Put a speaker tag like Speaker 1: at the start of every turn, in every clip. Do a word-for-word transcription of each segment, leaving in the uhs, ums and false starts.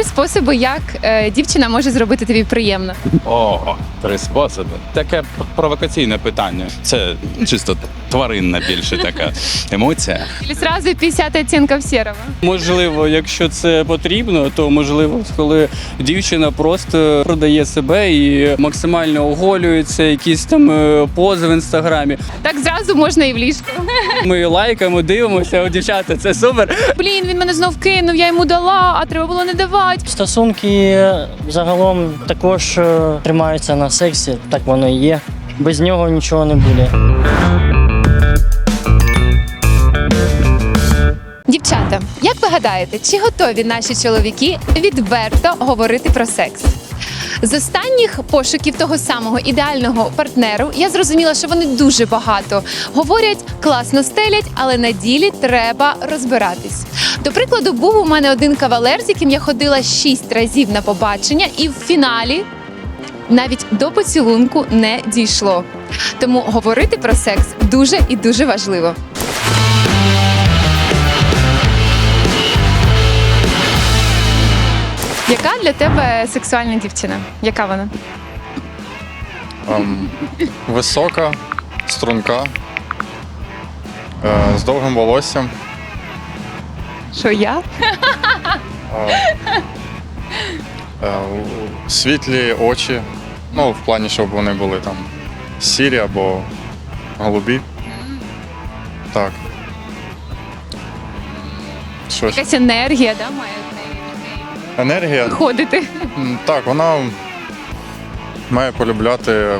Speaker 1: Три способи, як е, дівчина може зробити тобі приємно.
Speaker 2: О, три способи. Таке провокаційне питання. Це чисто тваринна більше така емоція.
Speaker 1: Или сразу п'ятдесят оттінків сірого.
Speaker 3: Можливо, якщо це потрібно, то можливо, коли дівчина просто продає себе і максимально оголюється, якісь там е, пози в інстаграмі.
Speaker 1: Так зразу можна і в ліжку.
Speaker 3: Ми лайкаємо, дивимося, о, дівчата, це супер.
Speaker 1: Блін, він мене знов кинув, я йому дала, а треба було не давати.
Speaker 4: Стосунки загалом також е, тримаються на сексі, так воно і є. Без нього нічого не буде.
Speaker 1: Дівчата, як ви гадаєте, чи готові наші чоловіки відверто говорити про секс? З останніх пошуків того самого ідеального партнеру я зрозуміла, що вони дуже багато говорять, класно стелять, але на ділі треба розбиратись. До прикладу, був у мене один кавалер, з яким я ходила шість разів на побачення, і в фіналі навіть до поцілунку не дійшло. Тому говорити про секс дуже і дуже важливо. Яка для тебе сексуальна дівчина? Яка вона?
Speaker 5: Ем, висока, струнка, е, з довгим волоссям.
Speaker 1: Що я?
Speaker 5: Е, е, світлі очі. Ну, в плані, щоб вони були там сірі або голубі. Так. Що ще?
Speaker 1: Якась енергія, да, має
Speaker 5: Енергія.
Speaker 1: ходити.
Speaker 5: М, Так, вона має полюбляти е,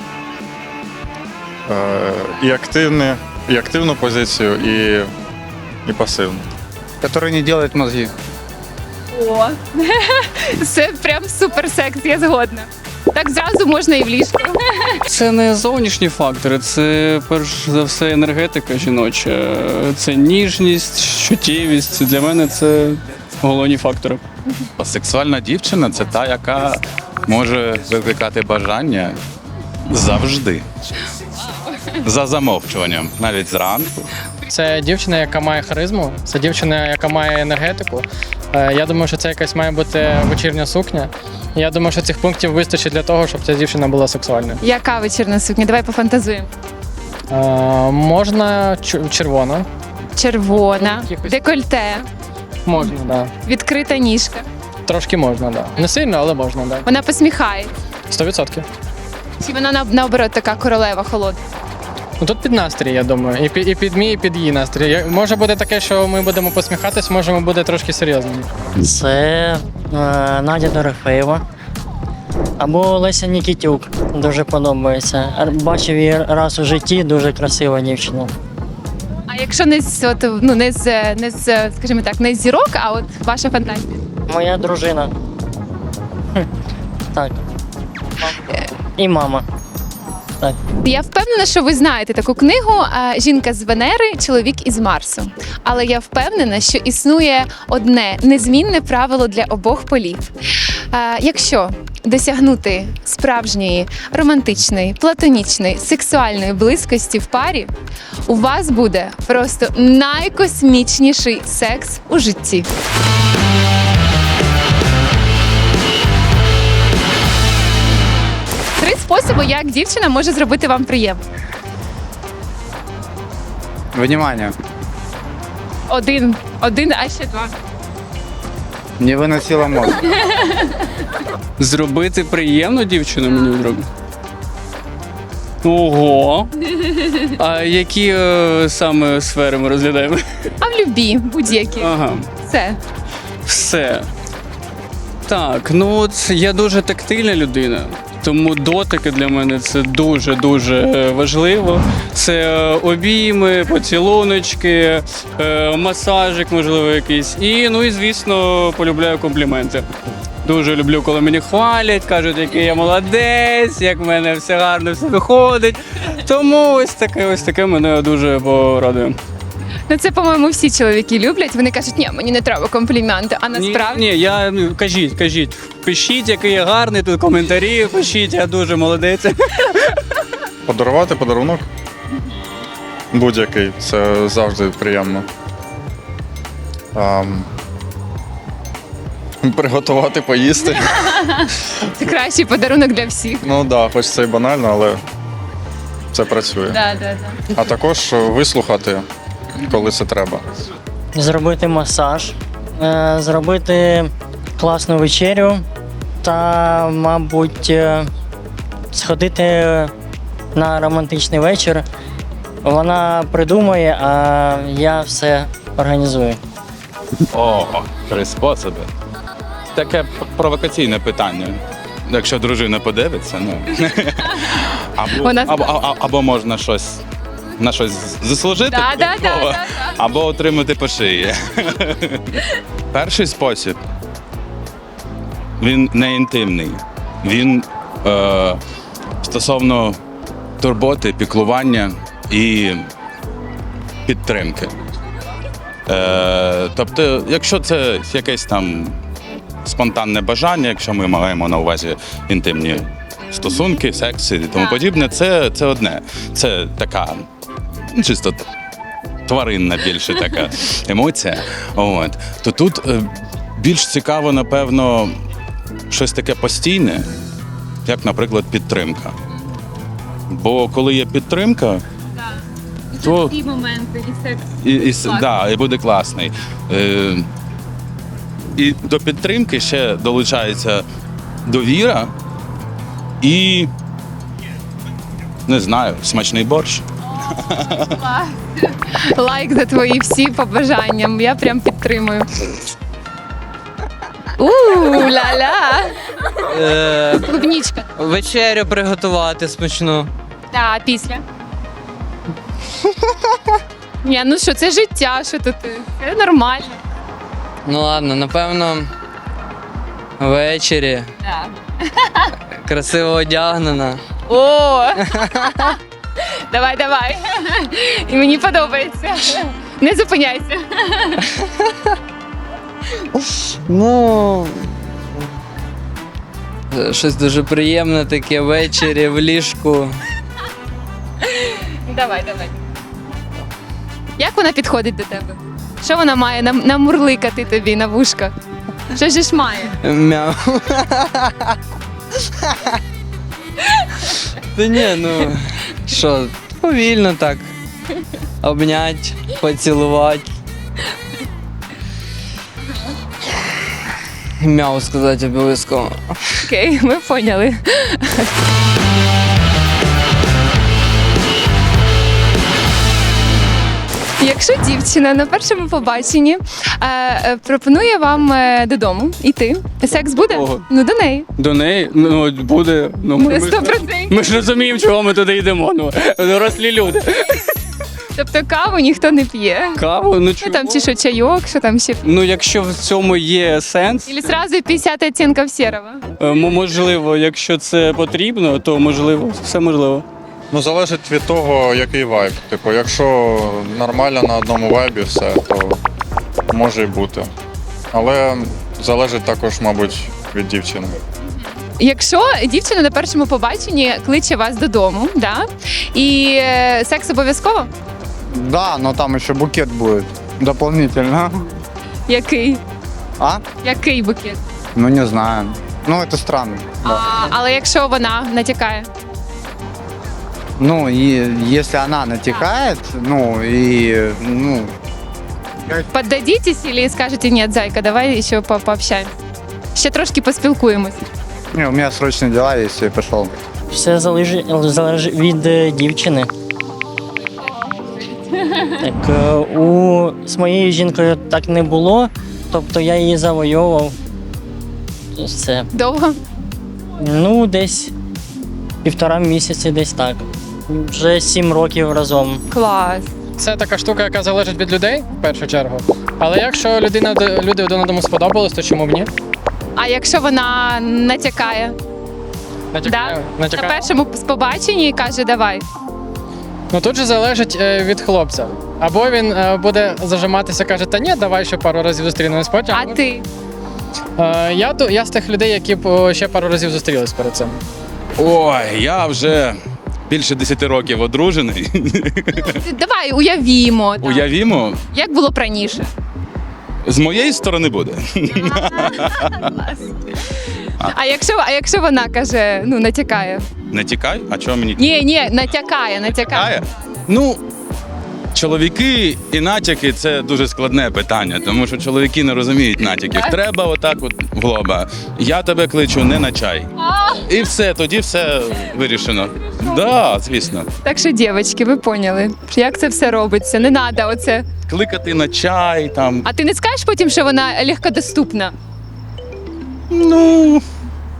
Speaker 5: і, активне, і активну позицію, і, і пасивну.
Speaker 6: который не делает мозги.
Speaker 1: О, це прям супер секс, я згодна. Так зразу можна і в ліжку.
Speaker 3: Це не зовнішні фактори, це перш за все енергетика жіноча. Це ніжність, чуттєвість. Для мене це головні фактори.
Speaker 2: Сексуальна дівчина це та, яка може викликати бажання завжди. За замовчуванням, навіть зранку.
Speaker 7: Це дівчина, яка має харизму, це дівчина, яка має енергетику. Е, Я думаю, що це якась має бути вечірня сукня. Я думаю, що цих пунктів вистачить для того, щоб ця дівчина була сексуальною.
Speaker 1: Яка вечірня сукня? Давай пофантазуємо.
Speaker 7: Е, Можна чу- червона.
Speaker 1: Червона,
Speaker 7: Якихось-
Speaker 1: декольте,
Speaker 7: Можна, так. Да.
Speaker 1: відкрита ніжка.
Speaker 7: Трошки можна, так. Да. Не сильно, але можна, так.
Speaker 1: Вона посміхається.
Speaker 7: Сто відсотків.
Speaker 1: Чи вона на- наоборот така королева холодна?
Speaker 7: Ну тут під настрій, я думаю. І під, і під мій, і під її настрій. Я- Може бути таке, що ми будемо посміхатись, може бути трошки серйозними.
Speaker 4: Це е, Надя Дорофеєва або Леся Нікітюк. Дуже подобається. Р- Бачив її раз у житті, дуже красива дівчина.
Speaker 1: А якщо не з от, ну не з не з, скажімо так, не з зірок, а от ваша фантазія.
Speaker 4: Моя дружина. Хм, Так. І мама. Так.
Speaker 1: Я впевнена, що ви знаєте таку книгу е, «Жінка з Венери, чоловік із Марсу». Але я впевнена, що існує одне незмінне правило для обох полів. Е, Якщо досягнути справжньої романтичної, платонічної, сексуальної близькості в парі, у вас буде просто найкосмічніший секс у житті. Три способи, як дівчина може зробити вам приємно.
Speaker 6: Внимание,
Speaker 1: Один, один, а ще два.
Speaker 6: не выносила мозг.
Speaker 3: Зробити приємно дівчину мені зробити? Ого! А які е, саме сфери ми розглядаємо?
Speaker 1: А в любі, будь-які.
Speaker 3: Ага.
Speaker 1: Все.
Speaker 3: Все. Так, ну от я дуже тактильна людина, тому дотики для мене це дуже-дуже е, важливо. Це е, обійми, поцілуночки, е, масажик, можливо, якийсь. І, ну і, звісно, полюбляю компліменти. Дуже люблю, коли мені хвалять, кажуть, який я молодець, як в мене все гарно, все виходить. Тому ось таке, ось таке мене дуже порадує.
Speaker 1: Ну це, по-моєму, всі чоловіки люблять. Вони кажуть, ні, мені не треба компліменти, а насправді.
Speaker 3: Ні, ні, я ну, кажіть, кажіть. Пишіть, який я гарний, тут коментарі, пишіть, я дуже молодець.
Speaker 5: Подарувати подарунок будь-який, це завжди приємно. Ем, Приготувати, поїсти.
Speaker 1: Це кращий подарунок для всіх.
Speaker 5: Ну так, да, хоч це і банально, але це працює.
Speaker 1: Да, да, да.
Speaker 5: А також вислухати, коли це треба.
Speaker 4: Зробити масаж, е, зробити класну вечерю та, мабуть, е, сходити на романтичний вечір. Вона придумає, а я все організую.
Speaker 2: О, три способи. Таке провокаційне питання. Якщо дружина подивиться, ну. Або,
Speaker 1: Вона
Speaker 2: або, або, або можна щось на щось заслужити,
Speaker 1: Да, да, да,
Speaker 2: додатково,
Speaker 1: да, да.
Speaker 2: або отримати по шиї. Перший спосіб. Він не інтимний. Він е, стосовно турботи, піклування і підтримки. Е, тобто, якщо це якесь там спонтанне бажання, якщо ми маємо на увазі інтимні стосунки, секс і тому подібне, це, це одне. Це така ну, чисто тваринна більше така емоція. От. То тут е, більш цікаво, напевно, щось таке постійне, як, наприклад, підтримка. Бо коли є підтримка, то
Speaker 1: Такі моменти і секс.
Speaker 2: і, і, с- да, і буде класний. Е, і до підтримки ще долучається довіра і, не знаю, смачний борщ.
Speaker 1: Лайк за твої всі побажання. Я прям підтримую. У-ля-ля.
Speaker 8: Е,
Speaker 1: Клубнічка.
Speaker 8: вечерю приготувати смачну.
Speaker 1: Та, після. Ні, ну що, це життя, що тут? Це нормально.
Speaker 8: Ну ладно, напевно, ввечері
Speaker 1: Да.
Speaker 8: красиво одягнена.
Speaker 1: О! Давай, давай. І мені подобається. Не зупиняйся.
Speaker 8: Ну. Щось дуже приємне таке ввечері в ліжку.
Speaker 1: Давай, давай. Як вона підходить до тебе? Що вона має нам- намурликати тобі на вушка? Що ж має?
Speaker 8: Мяу. Та ні, ну що, повільно так. Обнять, поцілувати. Мяу сказати обов'язково.
Speaker 1: Окей, ми поняли. Якщо дівчина на першому побаченні е, е, пропонує вам е, додому йти, секс буде?
Speaker 3: Ого.
Speaker 1: Ну, до неї.
Speaker 3: До неї ну, буде. Ну, ми, ми,
Speaker 1: Сто
Speaker 3: ж-
Speaker 1: процентів.
Speaker 3: ми ж розуміємо, чого ми туди йдемо. Ну, дорослі люди.
Speaker 1: Тобто каву ніхто не п'є.
Speaker 3: Каву, ну
Speaker 1: Ну
Speaker 3: чого?
Speaker 1: там чи що чайок, що там ще.
Speaker 3: Ну, якщо в цьому є сенс,
Speaker 1: Или сразу п'ятдесят оттінків сірого.
Speaker 3: е, м- можливо, якщо це потрібно, то можливо, все можливо.
Speaker 5: Ну, залежить від того, який вайб. Типу, якщо нормально на одному вайбі все, то може і бути. Але залежить також, мабуть, від дівчини.
Speaker 1: Якщо дівчина на першому побаченні кличе вас додому, да? І е, секс обов'язково?
Speaker 6: Да, но там еще букет будет дополнительно.
Speaker 1: Який?
Speaker 6: А?
Speaker 1: Який букет?
Speaker 6: Ну, не знаю. Ну, это странно.
Speaker 1: А, але якщо вона натякає?
Speaker 6: Ну, и если она натекает, ну, и, ну,
Speaker 1: Поддадитесь или скажете, ні, зайка, давай ще по пообщаємось? Ще трошки поспілкуємось.
Speaker 6: не, у меня срочные дела есть, я пошел.
Speaker 4: Все залежить, залежить від е, дівчини. Так, е, у, з моєю жінкою так не було, тобто я її завойовував. Все.
Speaker 1: Довго?
Speaker 4: Ну, десь півтора місяці, десь так. Вже сім років разом.
Speaker 1: Клас.
Speaker 7: Це така штука, яка залежить від людей в першу чергу. Але якщо людина люди один одному сподобались, то чому б ні?
Speaker 1: А якщо вона натякає?
Speaker 7: Натякаю.
Speaker 1: Да? На
Speaker 7: Натякаю.
Speaker 1: першому побаченні каже, давай.
Speaker 7: Ну тут же залежить е, від хлопця. Або він е, буде зажиматися, каже, та ні, давай ще пару разів зустрінемось потім.
Speaker 1: А ти?
Speaker 7: Е, я, ду- я з тих людей, які б о, ще пару разів зустрілись перед цим.
Speaker 2: Ой, я вже більше десяти років одружений.
Speaker 1: Давай уявімо. так.
Speaker 2: Уявімо,
Speaker 1: Як було б раніше?
Speaker 2: З моєї сторони буде.
Speaker 1: А якщо, а якщо вона каже, ну натякає?
Speaker 2: Не тікай, а чого мені?
Speaker 1: Ні, ні, натякає, натякає.
Speaker 2: Кає? Ну, чоловіки і натяки це дуже складне питання, тому що чоловіки не розуміють натяків. Треба отак от в лоба. Я тебе кличу не на чай. І все, тоді все вирішено. Так, да, звісно.
Speaker 1: Так що, дівчатки, ви поняли, як це все робиться. Не треба оце.
Speaker 2: Кликати на чай там.
Speaker 1: А ти не скажеш потім, що вона легкодоступна?
Speaker 2: Ну.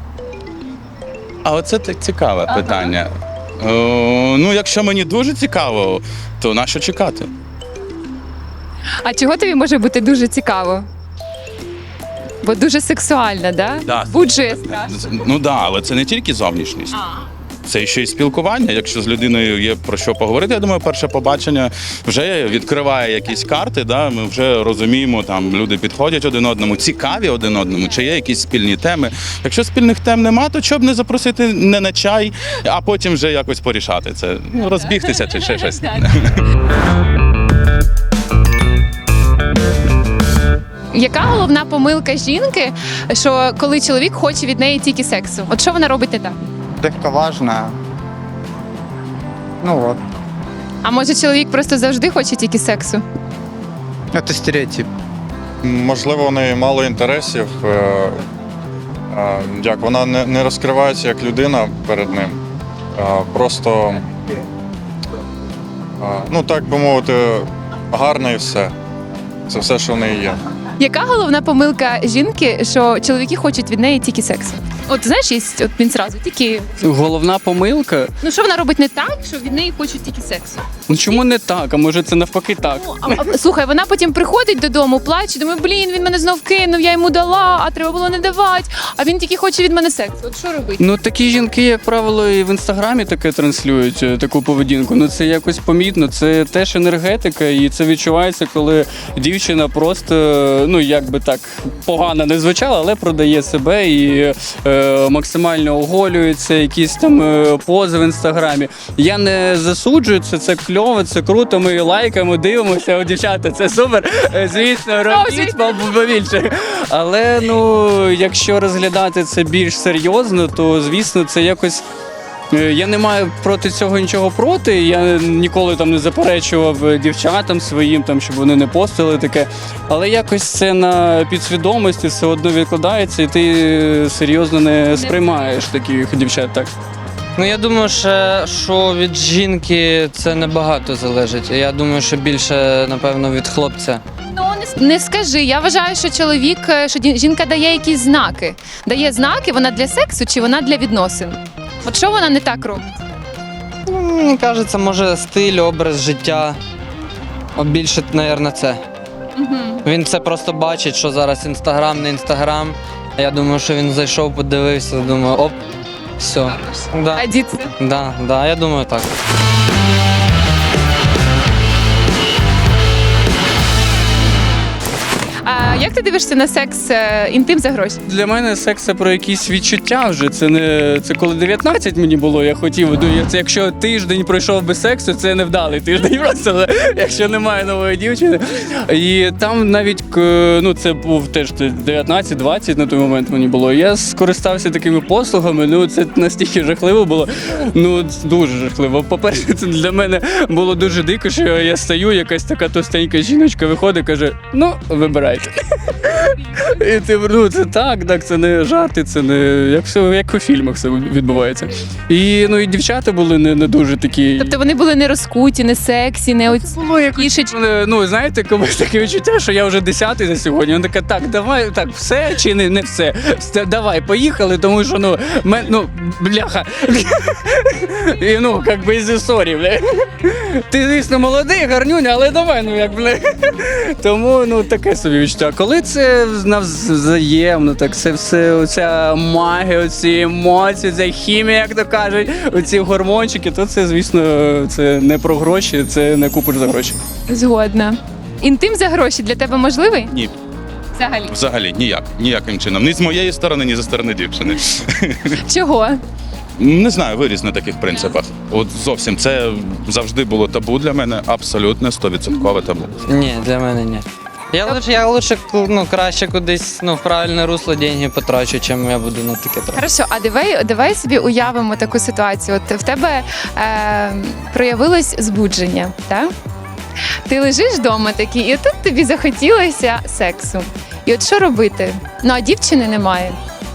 Speaker 2: А оце так цікаве
Speaker 1: Ага.
Speaker 2: питання. О, ну, якщо мені дуже цікаво, то на що чекати?
Speaker 1: А чого тобі може бути дуже цікаво? Бо дуже сексуальна, да?
Speaker 2: Да.
Speaker 1: Буджує страшно.
Speaker 2: Ну так, да, але це не тільки зовнішність. Це ще й спілкування. Якщо з людиною є про що поговорити, я думаю, перше побачення вже відкриває якісь карти. Да? Ми вже розуміємо, там люди підходять один одному, цікаві один одному, чи є якісь спільні теми. Якщо спільних тем нема, то чого б не запросити не на чай, а потім вже якось порішати це. Ну, розбігтися чи ще щось.
Speaker 1: Яка головна помилка жінки, що коли чоловік хоче від неї тільки сексу? От що вона робить не так?
Speaker 6: легковажна. Ну от,
Speaker 1: А може чоловік просто завжди хоче тільки сексу?
Speaker 6: це стереотип.
Speaker 5: Можливо, у неї мало інтересів. е, е, Як вона не, не розкривається як людина перед ним. Е, Просто, е, ну так би мовити, гарна і все. Це все, що в неї є.
Speaker 1: Яка головна помилка жінки, що чоловіки хочуть від неї тільки сексу? От знаєш, є от він зразу тільки.
Speaker 3: Головна помилка.
Speaker 1: Ну що вона робить не так, що від неї хочуть тільки сексу?
Speaker 3: Ну чому не так? А може це навпаки так?
Speaker 1: Ну, а, а, слухай, вона потім приходить додому, плаче, думає, блін, він мене знов кинув, я йому дала, а треба було не давати. А він тільки хоче від мене сексу. От що робити?
Speaker 3: Ну такі жінки, як правило, і в інстаграмі таке транслюють е, таку поведінку. Ну це якось помітно. Це теж енергетика, і це відчувається, коли дівчина просто е, ну як би так погано не звучала, але продає себе і е, максимально оголюється, якісь там е, пози в інстаграмі. Я не засуджую це, це кльово, це круто. Ми лайкаємо, дивимося. О, дівчата, це супер. Е, Звісно, робіть побільше. Але ну, якщо розглядати це більш серйозно, то звісно це якось. е, Я не маю проти цього нічого проти. Я ніколи там не заперечував дівчатам своїм, там, щоб вони не постили таке. Але якось це на підсвідомості все одно відкладається, і ти серйозно не сприймаєш таких дівчат. Так.
Speaker 8: Ну я думаю, що, що від жінки це небагато залежить. Я думаю, що більше, напевно, від хлопця.
Speaker 1: Ну не, не скажи. Я вважаю, що чоловік, е, що ді- жінка дає якісь знаки. Дає знаки, вона для сексу чи вона для відносин? От що вона не так робить?
Speaker 8: Ну, мені кажеться, може стиль, образ життя. О, більше, мабуть, це. Він це просто бачить, що зараз інстаграм, не інстаграм. Я думаю, що він зайшов, подивився, думаю, оп, все. Да,
Speaker 1: А діти?
Speaker 8: да, да, я думаю, так.
Speaker 1: А як ти дивишся на секс, е, інтим за гроші?
Speaker 3: Для мене секс це про якісь відчуття вже. Це не це коли дев'ятнадцять мені було, я хотів. Ну, я- це якщо тиждень пройшов без сексу, це невдалий тиждень просто, якщо немає нової дівчини. І там навіть к- ну це був теж дев'ятнадцять-двадцять на той момент мені було. Я скористався такими послугами. Ну це настільки жахливо було. Ну дуже жахливо. По-перше, це для мене було дуже дико, що я стою, якась така товстенька жіночка виходить, каже: ну вибирайте. І ти ну, це так, так, це не жарти, це не як все як у фільмах все відбувається. І ну і дівчата були не, не дуже такі.
Speaker 1: Тобто вони були не розкуті, не сексі, не оці
Speaker 3: Було якось,
Speaker 1: кішечки.
Speaker 3: вони, ну знаєте, комусь таке відчуття, що я вже десятий за сьогодні. Вона така, так, давай, так, все чи не, не все. Все, давай, поїхали, тому що ну, мен, ну бляха. І ну, як би із історії, бля. Ти, звісно, молодий, гарнюня, але давай, ну як бля. Тому ну таке собі відчуття. Коли це навзаємно, так це все, оця магія, оці емоції, ця хімія, як то кажуть, оці гормончики, то це, звісно, це не про гроші, це не купиш за гроші.
Speaker 1: Згодна. Інтим за гроші для тебе можливий?
Speaker 2: Ні,
Speaker 1: Взагалі.
Speaker 2: взагалі ніяк, ніяким чином. Ні з моєї сторони, ні зі сторони дівчини.
Speaker 1: Чого?
Speaker 2: Не знаю, виріс на таких принципах. От зовсім це завжди було табу для мене, абсолютно сто відсотків табу.
Speaker 8: Ні, для мене ні. Я лучше, я лучше ну, краще кудись ну, в правильне русло деньги потрачу, чим я буду на таке тратити.
Speaker 1: Хорошо, а давай, давай собі уявимо таку ситуацію. От в тебе е, проявилось збудження, так? Ти лежиш вдома такий, і тут тобі захотілося сексу. І от що робити? Ну, а дівчини немає.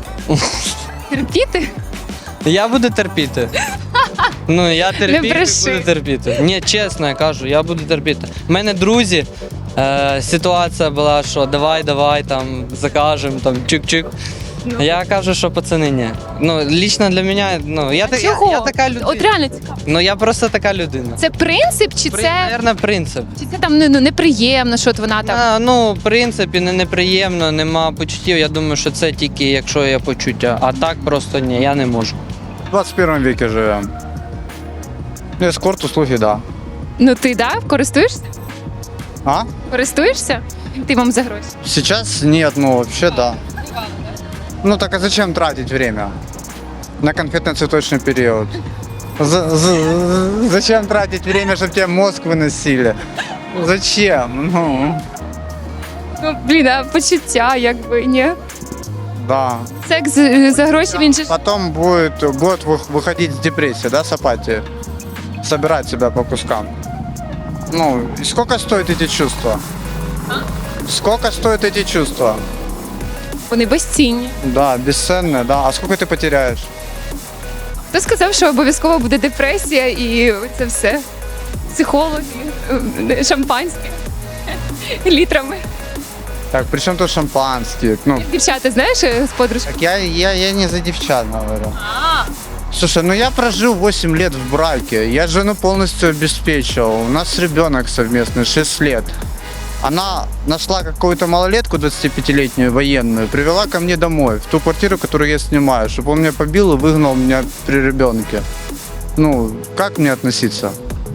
Speaker 1: Терпіти?
Speaker 8: Я буду терпіти. Ну, я терпіти
Speaker 1: бреши.
Speaker 8: буду терпіти. Ні, чесно, я кажу, я буду терпіти. У мене друзі, е, ситуація була, що давай, давай, там, закажемо, там, чик-чик. Я кажу, що пацани, ні. Ну, лічно для мене, ну, я, та- я,
Speaker 1: Чого?
Speaker 8: я така людина.
Speaker 1: От реально цікаво.
Speaker 8: Ну, я просто така людина.
Speaker 1: Це принцип, чи
Speaker 8: При,
Speaker 1: це,
Speaker 8: Наверно, принцип.
Speaker 1: чи це там ну, ну, неприємно, що от вона там.
Speaker 8: А, ну, в принципі, не неприємно, нема почуттів. Я думаю, що це тільки якщо є почуття. А так просто ні, я не можу.
Speaker 6: В двадцать первом веке живем. Эскорт, услуги, да.
Speaker 1: Ну ти да, користуєшся?
Speaker 6: А?
Speaker 1: Користуєшся? Ти вам за гроші.
Speaker 6: Сейчас нет, ну вообще да. Ну так а зачем тратить время на конфетно-цветочный период? За- за- зачем тратить время, чтобы тебе мозг выносили? Зачем? Ну,
Speaker 1: Ну, блін, а почуття, якби, ні.
Speaker 6: да.
Speaker 1: Секс е, за гроші, він же ж.
Speaker 6: Потом будет год вы- выходить с депрессии, да, с апатии. Собирать себя по кускам. Ну, и сколько стоят эти чувства? Сколько стоят эти чувства?
Speaker 1: Вони безцінні.
Speaker 6: Да, бесценные, да. А сколько ты потеряешь?
Speaker 1: Хто сказав, що обов'язково буде депресія і це все? Психологи, е, шампанське літрами.
Speaker 6: Так, при чем тут шампанские? Ну,
Speaker 1: Дівчата, знаєш, е, з подружкою?
Speaker 6: так я, я, я не за девчат говорю. Слушай, ну я прожил восемь лет в браке, я жену полностью обеспечивал, у нас ребенок совместный, шесть лет. Она нашла какую-то малолетку двадцатипятилетнюю военную, привела ко мне домой, в ту квартиру, которую я снимаю, чтобы он меня побил и выгнал меня при ребенке. Ну, как мне относиться?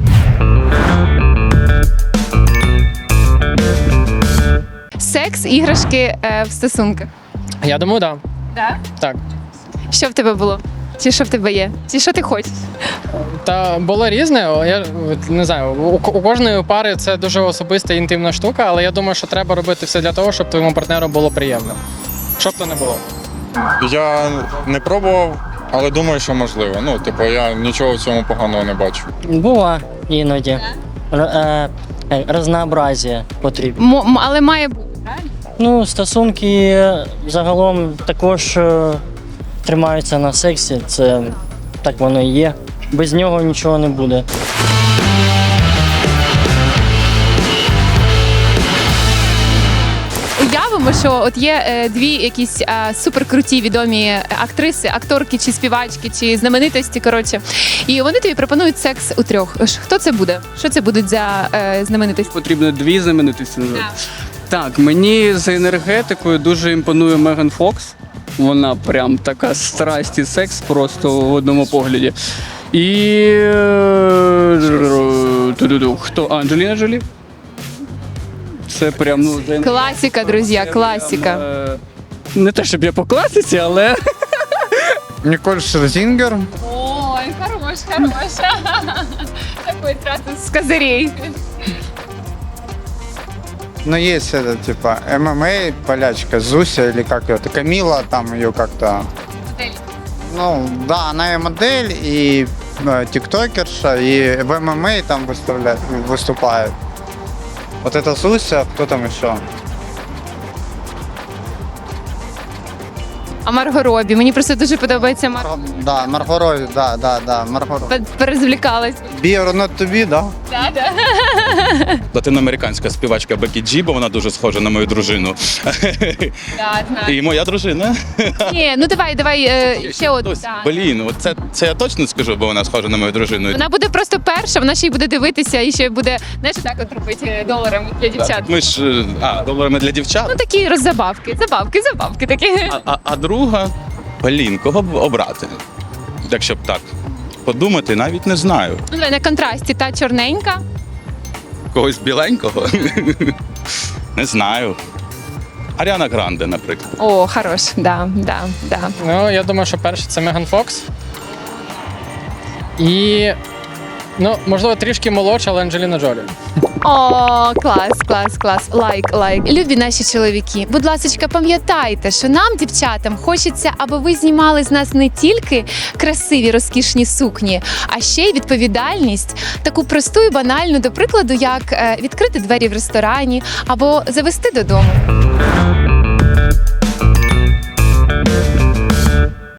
Speaker 1: Секс, іграшки е, в стосунках.
Speaker 7: Я думаю, так.
Speaker 1: Да?
Speaker 7: Так.
Speaker 1: Що в тебе було? Чи що в тебе є? Чи що ти хочеш?
Speaker 7: Та було різне. Я от не знаю, у, у кожної пари це дуже особиста і інтимна штука, але я думаю, що треба робити все для того, щоб твоєму партнеру було приємно. Щоб то не було.
Speaker 5: Я не пробував, але думаю, що можливо. Ну, типу, я нічого в цьому поганого не бачу.
Speaker 4: Бува іноді. Р- е, е, Разнообразія потрібно.
Speaker 1: М- але має бути, правильно?
Speaker 4: Ну, стосунки загалом також е, тримаються на сексі, це так воно і є. Без нього нічого не буде.
Speaker 1: Уявимо, що от є е, дві якісь е, суперкруті відомі актриси, акторки чи співачки, чи знаменитості, коротше. І вони тобі пропонують секс у трьох. Ш- Хто це буде? Що це будуть за е, знаменитості?
Speaker 3: Потрібно дві знаменитості назвати. Так, мені за енергетикою дуже імпонує Меган Фокс. Вона прям така страсть і секс просто в одному погляді. І е, ту-ду-ду, хто? Анджеліна Джолі? Це прям ну за енергетикою.
Speaker 1: Класіка, друзі, класіка.
Speaker 3: Е, Не те, щоб я по класиці, але
Speaker 6: Николь Шерзингер.
Speaker 1: Ой, хорош, хорош. Такой сразу с козырей.
Speaker 6: Ну, есть это, типа, ММА, полячка, Зуся или как ее, это Камила, там ее как-то... Ну, да, она и модель, и э, тиктокерша, и в ММА там выставляет, выступает. Вот это Зуся, кто там еще?
Speaker 1: А Марго Робі. Мені просто дуже подобається Марго.
Speaker 6: Марго- Да, Марго Робі, да, да, да, Марго Робі.
Speaker 1: Пе- Перезвлікалась.
Speaker 6: Be or not to be, да?
Speaker 1: Да, да.
Speaker 2: Латиноамериканська співачка Бекі Джі, бо вона дуже схожа на мою дружину.
Speaker 1: Да, знаю.
Speaker 2: І моя дружина.
Speaker 1: Ні, ну давай, давай е, ще одну.
Speaker 2: Ось,
Speaker 1: да.
Speaker 2: блін, от це, це я точно скажу, бо вона схожа на мою дружину.
Speaker 1: Вона буде просто перша, вона ще й буде дивитися і ще буде, знаєш, так от робити доларами для дівчат.
Speaker 2: Ми ж е, а, доларами для дівчат.
Speaker 1: Ну такі роззабавки, забавки, забавки такі.
Speaker 2: А, а, а друга, блін, кого б обрати? Якщо б так подумати, навіть не знаю.
Speaker 1: Ну, давай на контрасті та чорненька.
Speaker 2: Когось біленького? Не знаю. Аріана Гранде, наприклад.
Speaker 1: О, хорош, да, да, да.
Speaker 7: Ну, я думаю, що перше це Меган Фокс. І, ну, можливо, трішки молодша, але Анджеліна Джолі.
Speaker 1: О, клас, клас, клас. Лайк, лайк. Любі наші чоловіки, будь ласка, пам'ятайте, що нам, дівчатам, хочеться, аби ви знімали з нас не тільки красиві, розкішні сукні, а ще й відповідальність, таку просту і банальну, до прикладу, як е, відкрити двері в ресторані або завести додому.